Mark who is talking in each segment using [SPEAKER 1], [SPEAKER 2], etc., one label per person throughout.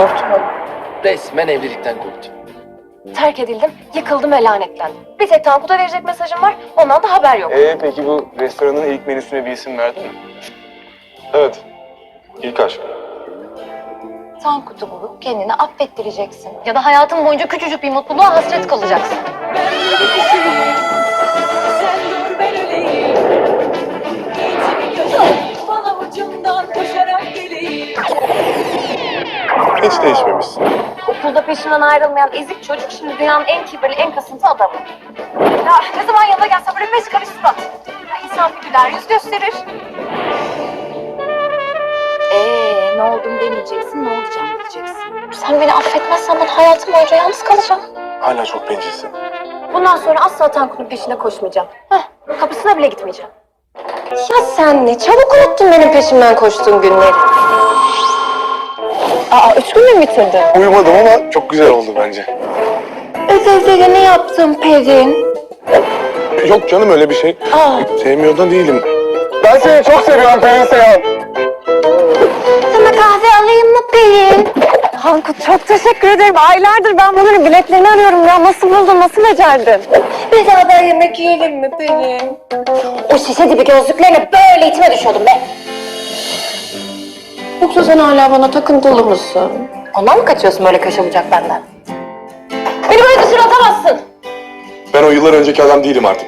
[SPEAKER 1] Korktum ben. Resmen evlilikten korktum.
[SPEAKER 2] Terk edildim, yıkıldım ve lanetlendim. Bir tek Tankut'a verecek mesajım var, ondan da haber yok.
[SPEAKER 3] Peki bu restoranın ilk menüsüne bir isim verdin mi? Evet. İlk aşk.
[SPEAKER 2] Tankut'u bulup kendini affettireceksin. Ya da hayatın boyunca küçücük bir mutluluğa hasret kalacaksın.
[SPEAKER 4] Sen dur ben öleyim. Bana ucundan koşarak geleyim.
[SPEAKER 3] Hiç değişmemişsin.
[SPEAKER 2] Okulda peşinden ayrılmayan ezik çocuk şimdi dünyanın en kibirli, en kasıntı adamı. Ya ne zaman yanına gelse böyle beş karış surat. Ya insan bir güler yüz gösterir. Ne oldum demeyeceksin, ne olacağım diyeceksin. Sen beni affetmezsen ben hayatım boyunca yalnız kalacağım.
[SPEAKER 3] Hala çok bencilsin.
[SPEAKER 2] Bundan sonra asla Tankut'un peşine koşmayacağım. Kapısına bile gitmeyeceğim. Ya sen ne çabuk unuttun benim peşimden koştuğun günleri. 3 gün mü bitirdin?
[SPEAKER 3] Uyumadım ama çok güzel oldu bence.
[SPEAKER 2] Özelde ne yaptın Pelin?
[SPEAKER 3] Yok canım öyle bir şey. Sevmiyor da değilim. Ben seni çok seviyorum Pelin Seyhan.
[SPEAKER 2] Sana kahve alayım mı Pelin? Tankut çok teşekkür ederim. Aylardır ben bunların biletlerini arıyorum ya. Nasıl buldun, nasıl becerdin? Beraber yemek yiyelim mi Pelin? O şişe dibi gözlüklerine böyle içime düşüyordum be. Yoksa sen hala bana takıntılı mısın? Ondan mı kaçıyorsun böyle kaşa bucak benden? Beni böyle dışarı atamazsın.
[SPEAKER 3] Ben o yıllar önceki adam değilim artık.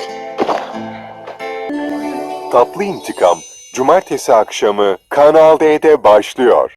[SPEAKER 5] Tatlı İntikam Cumartesi akşamı Kanal D'de başlıyor.